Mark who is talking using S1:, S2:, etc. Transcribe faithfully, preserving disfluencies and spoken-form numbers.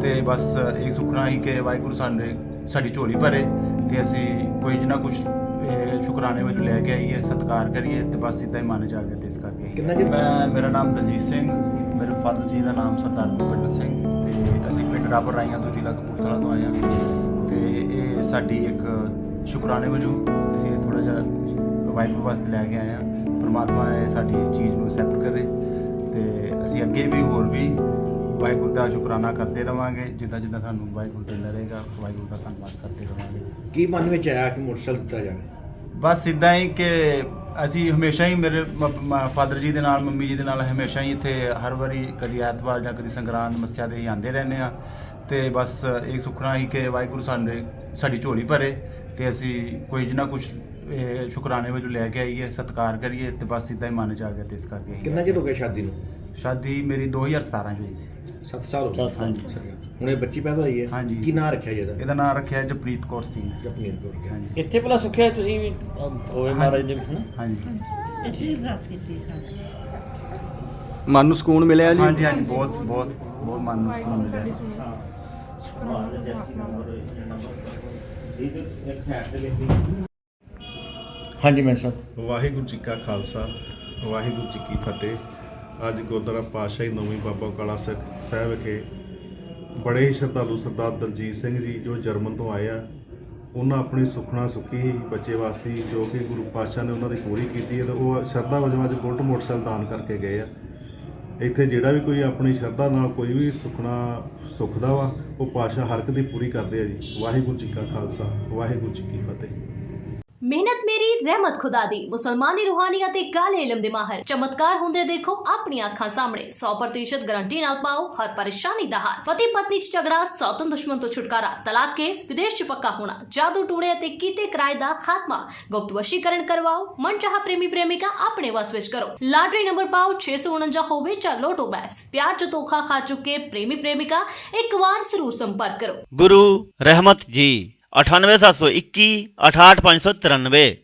S1: ਤੇ ਬਸ ਇਹ ਸੁਖਣਾ ਹੀ ਕਿ ਵਾਹਿਗੁਰੂ ਸਾਡੇ ਸਾਡੀ ਝੋਲੀ ਭਰੇ ਤੇ ਅਸੀਂ ਕੋਈ ਜਿੰਨਾ ਕੁਝ ਸ਼ੁਕਰਾਨੇ ਵਜੋਂ ਲੈ ਕੇ ਆਈਏ, ਸਤਿਕਾਰ ਕਰੀਏ ਤੇ ਬਸ ਇੱਦਾਂ ਹੀ ਮਨ ਚ ਆ ਗਿਆ ਤੇ ਇਸ ਕਰਕੇ ਆਈਏ।
S2: ਕਿੰਨਾ ਜੀ?
S1: ਮੈਂ ਮੇਰਾ ਨਾਮ ਦਲਜੀਤ ਸਿੰਘ, ਮੇਰੇ ਫਾਦਰ ਜੀ ਦਾ ਨਾਮ ਸਰਦਾਰ ਭੁਪਿੰਦਰ ਸਿੰਘ ਤੇ ਅਸੀਂ ਪਿੰਡ ਰਾਪਰ ਰਾਈਆਂ ਤੋਂ ਜ਼ਿਲ੍ਹਾ ਕਪੂਰਥਲਾ ਤੋਂ ਆਏ ਹਾਂ ਤੇ ਇਹ ਸਾਡੀ ਇੱਕ ਸ਼ੁਕਰਾਨੇ ਵਜੋਂ ਅਸੀਂ ਥੋੜ੍ਹਾ ਜਿਹਾ ਵਾਹਿਗੁਰੂ ਵਾਸਤੇ ਲੈ ਕੇ ਆਏ ਹਾਂ। ਪਰਮਾਤਮਾ ਇਹ ਸਾਡੀ ਚੀਜ਼ ਨੂੰ ਐਕਸੈਪਟ ਕਰੇ ਤੇ ਅਸੀਂ ਅੱਗੇ ਵੀ ਹੋਰ ਵੀ ਵਾਹਿਗੁਰੂ ਦਾ ਸ਼ੁਕਰਾਨਾ ਕਰਦੇ ਰਵਾਂਗੇ, ਜਿੱਦਾਂ ਜਿੱਦਾਂ ਸਾਨੂੰ ਵਾਹਿਗੁਰੂ ਦਿੰਦਾ ਰਹੇਗਾ ਵਾਹਿਗੁਰੂ ਦਾ ਧੰਨਵਾਦ ਕਰਦੇ ਰਵਾਂਗੇ।
S2: ਕੀ ਮਨ ਵਿੱਚ ਆਇਆ ਕਿ ਮੋਟਰਸਾਈਕਲ ਦਿੱਤਾ ਜਾਵੇ?
S1: ਬਸ ਇੱਦਾਂ ਹੀ ਕਿ ਅਸੀਂ ਹਮੇਸ਼ਾ ਹੀ ਮੇਰੇ ਫਾਦਰ ਜੀ ਦੇ ਨਾਲ ਮੰਮੀ ਜੀ ਦੇ ਨਾਲ ਹਮੇਸ਼ਾ ਹੀ ਇੱਥੇ ਹਰ ਵਾਰੀ ਕਦੀ ਐਤਵਾਰ ਜਾਂ ਕਦੀ ਸੰਗਰਾਂਦ ਮੱਸਿਆ ਦੇ ਹੀ ਆਉਂਦੇ ਰਹਿੰਦੇ ਹਾਂ ਤੇ ਬਸ ਇਹ ਸੁਖਣਾ ਹੀ ਕਿ ਵਾਹਿਗੁਰੂ ਸਾਡੇ ਸਾਡੀ ਝੋਲੀ ਭਰੇ ਤੇ ਅਸੀਂ ਕੋਈ ਜਿੰਨਾ ਕੁਝ ਸ਼ੁਕਰਾਨੇ ਵਜੋਂ ਲੈ ਕੇ ਆਈਏ, ਸਤਿਕਾਰ ਕਰੀਏ ਤੇ ਬਸ ਇੱਦਾਂ ਹੀ ਮਨ ਚ ਆ ਗਿਆ ਤੇ ਇਸ ਕਰਕੇ ਆਈਏ।
S2: ਕਿੰਨਾ ਚਿਰ ਹੋ ਗਿਆ ਸ਼ਾਦੀ ਨੂੰ?
S1: ਸ਼ਾਦੀ ਮੇਰੀ ਦੋ ਹਜ਼ਾਰ ਸਤਾਰਾਂ ਚ ਹੋਈ ਸੀ।
S2: ਸੱਤ ਸਾਲ ਹੋ ਗਏ।
S1: ਸੱਤ ਸਾਲ।
S2: ਹੁਣ ਇਹ ਬੱਚੀ ਪੈਦਾ ਹੋਈ ਹੈ?
S1: ਹਾਂਜੀ।
S2: ਕੀ ਨਾਂ ਰੱਖਿਆ ਜਿਹਦਾ?
S1: ਇਹਦਾ ਨਾਮ ਰੱਖਿਆ ਜਪਨੀਤ ਕੌਰ ਸਿੰਘ।
S2: ਜਪਨੀਤ ਕੌਰ ਗਿਆ।
S1: ਹਾਂਜੀ
S3: ਇੱਥੇ ਭਲਾ ਸੁੱਖਿਆ ਤੁਸੀਂ ਵੀ ਹੋਏ ਮਹਾਰਾਜ ਦੇ ਹਨਾ?
S1: ਹਾਂਜੀ
S4: ਇੱਥੇ ਅਰਦਾਸ ਕੀਤੀ ਸਾਡੀ।
S3: ਮਨ ਨੂੰ ਸਕੂਨ ਮਿਲਿਆ ਜੀ?
S1: ਹਾਂਜੀ ਹਾਂਜੀ ਬਹੁਤ ਬਹੁਤ ਬਹੁਤ ਮਨ ਨੂੰ ਸਕੂਨ ਮਿਲਿਆ।
S2: ਹਾਂਜੀ ਮੈਂ ਸਾਹਿਬ।
S5: ਵਾਹਿਗੁਰੂ ਜੀ ਕਾ ਖਾਲਸਾ ਵਾਹਿਗੁਰੂ ਜੀ ਕੀ ਫਤਿਹ। ਅੱਜ ਗੁਰਦੁਆਰਾ ਪਾਤਸ਼ਾਹੀ ਨੌਵੀਂ ਬਾਬਾ ਕਾਲਾ ਸਿੱਖ ਸਾਹਿਬ ਵਿਖੇ ਬੜੇ ਹੀ ਸ਼ਰਧਾਲੂ ਸਰਦਾਰ ਦਲਜੀਤ ਸਿੰਘ ਜੀ ਜੋ ਜਰਮਨ ਤੋਂ ਆਏ ਆ, ਉਹਨਾਂ ਆਪਣੀ ਸੁਖਣਾ ਸੁਖੀ ਬੱਚੇ ਵਾਸਤੇ ਜੋ ਕਿ ਗੁਰੂ ਪਾਤਸ਼ਾਹ ਨੇ ਉਹਨਾਂ ਦੀ ਪੂਰੀ ਕੀਤੀ ਹੈ ਤੇ ਉਹ ਸ਼ਰਧਾ ਵਜੋਂ ਅੱਜ ਬੁਲਟ ਮੋਟਰਸਾਈਕਲ ਦਾਨ ਕਰਕੇ ਗਏ ਆ। ਇੱਥੇ ਜਿਹੜਾ ਵੀ ਕੋਈ ਆਪਣੀ ਸ਼ਰਧਾ ਨਾਲ ਕੋਈ ਵੀ ਸੁਖਣਾ ਸੁਖਦਾ ਵਾ ਉਹ ਪਾਤਸ਼ਾਹ ਹਰ ਇੱਕ ਦੀ ਪੂਰੀ ਕਰਦੇ ਆ ਜੀ। ਵਾਹਿਗੁਰੂ ਜੀ ਕਾ ਖਾਲਸਾ ਵਾਹਿਗੁਰੂ ਜੀ ਕੀ ਫਤਿਹ।
S6: ਮਿਹਨਤ ਮੇਰੀ ਰਹਿਮਤ ਖੁਦਾ ਦੀ। ਮੁਸਲਮਾਨੀ ਰੂਹਾਨੀ ਅਤੇ ਕਾਲੇ ਇਲਮ ਦੇ ਮਾਹਰ ਚਮਤਕਾਰ ਹੁੰਦੇ ਦੇਖੋ ਆਪਣੀਆਂ ਅੱਖਾਂ ਸਾਹਮਣੇ। ਸੌ ਪ੍ਰਤੀਸ਼ਤ ਗਾਰੰਟੀ ਨਾਲ ਪਾਓ ਹਰ ਪਰੇਸ਼ਾਨੀ ਦਾ ਹੱਲ। ਪਤੀ ਪਤਨੀ ਚ ਝਗੜਾ, ਸੌਤਨ ਦੁਸ਼ਮਣ ਤੋਂ ਛੁਟਕਾਰਾ, ਤਲਾਕ ਕੇਸ, ਵਿਦੇਸ਼ ਚ ਪੱਕਾ ਹੋਣਾ, ਜਾਦੂ ਟੂਣੇ ਅਤੇ ਕੀਤੇ ਕਿਰਾਏ ਦਾ ਖਾਤਮਾ, ਗੁਪਤ ਵਸ਼ੀਕਰਨ ਕਰਵਾਓ, ਮਨਚਾਹਾ ਪ੍ਰੇਮੀ ਪ੍ਰੇਮਿਕਾ ਆਪਣੇ ਵਸ ਵਿੱਚ ਕਰੋ। ਲਾਟਰੀ ਨੰਬਰ ਪਾਓ ਛੇ ਸੌ ਉਨੰਜਾ ਹੋਵੇ ਜਾਂ ਲੋਟੋ ਬੈਗਸ। ਪਿਆਰ ਚ ਧੋਖਾ ਖਾ ਚੁੱਕੇ ਪ੍ਰੇਮੀ ਪ੍ਰੇਮਿਕਾ ਇੱਕ ਵਾਰ ਜ਼ਰੂਰ ਸੰਪਰਕ ਕਰੋ।
S7: गुरु रहमत जी अठानवे सात सौ इक्की अठाठ पाँच सौ तिरानवे।